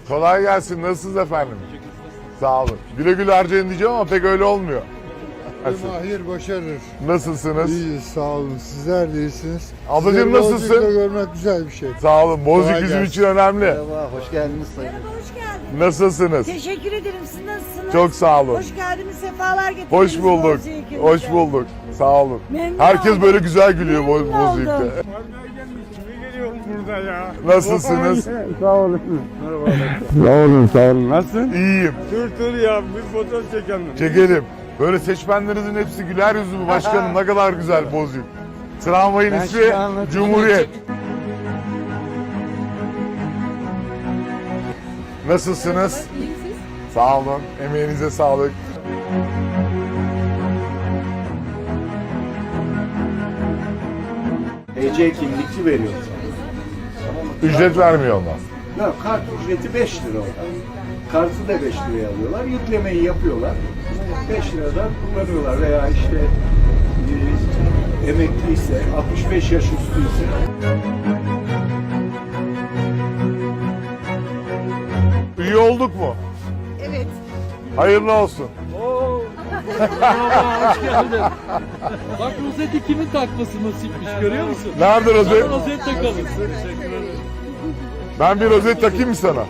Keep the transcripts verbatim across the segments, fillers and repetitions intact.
Kolay gelsin. Nasılsınız efendim? Sağ olun. Güle güle harcayın diyeceğim ama pek öyle olmuyor. Mahir başarır. Nasılsınız? İyiyiz, sağ olun. Sizler de iyisiniz. Ablacığım Sizleri nasılsın? Bozcuk'ta görmek güzel bir şey. Sağ olun. Bozcuk Kolay bizim gelsin. için önemli. Merhaba, hoş geldiniz sayın. Merhaba, hoş geldiniz. Nasılsınız? Teşekkür ederim. Siz nasılsınız? Çok sağ olun. Hoş geldiniz, sefalar getirdiniz. Hoş bulduk. Bozcaada'ya. Hoş bulduk. Sağ olun. Memnun Herkes oldum. böyle güzel gülüyor Boz Memnun Bozcuk'ta. oldum. Kimi geliyoruz burada ya? Nasılsınız? Sağ olun. Merhaba. Sağ olun, sağ olun. Nasılsın? İyiyim. Dur dur ya, bir fotoğraf çekelim. Çekelim. Böyle seçmenlerinizin hepsi güler yüzlü başkanım. Ne kadar güzel Bozcuk. Tramvayın Ben ismi şimdi anlatayım. Cumhuriyet. Nasılsınız? Sağ olun. Emeğinize sağlık. T C kimlikçi veriyoruz. Ücret vermiyor onlar. Ya kart ücreti beş lira orada. Kartı da beş liraya alıyorlar. Yüklemeyi yapıyorlar. beş liradan kullanıyorlar veya işte e, emekliyse, altmış beş yaş üstüyse. Üye olduk mu? Evet. Hayırlı olsun. Merhaba, hoş geldin. Bak rozeti kimin takması nasipmiş görüyor musun? Nerede rozet? Sana rozet takalım. Ben bir rozet takayım mı sana?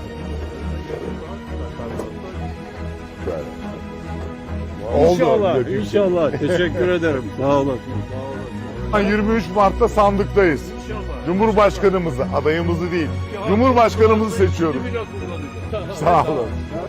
Oldu. İnşallah, Bir dakika. inşallah. Teşekkür ederim. Sağ olun. yirmi üç Mart'ta sandıktayız. Cumhurbaşkanımızı, adayımızı değil, Cumhurbaşkanımızı seçiyoruz. Sağ olun.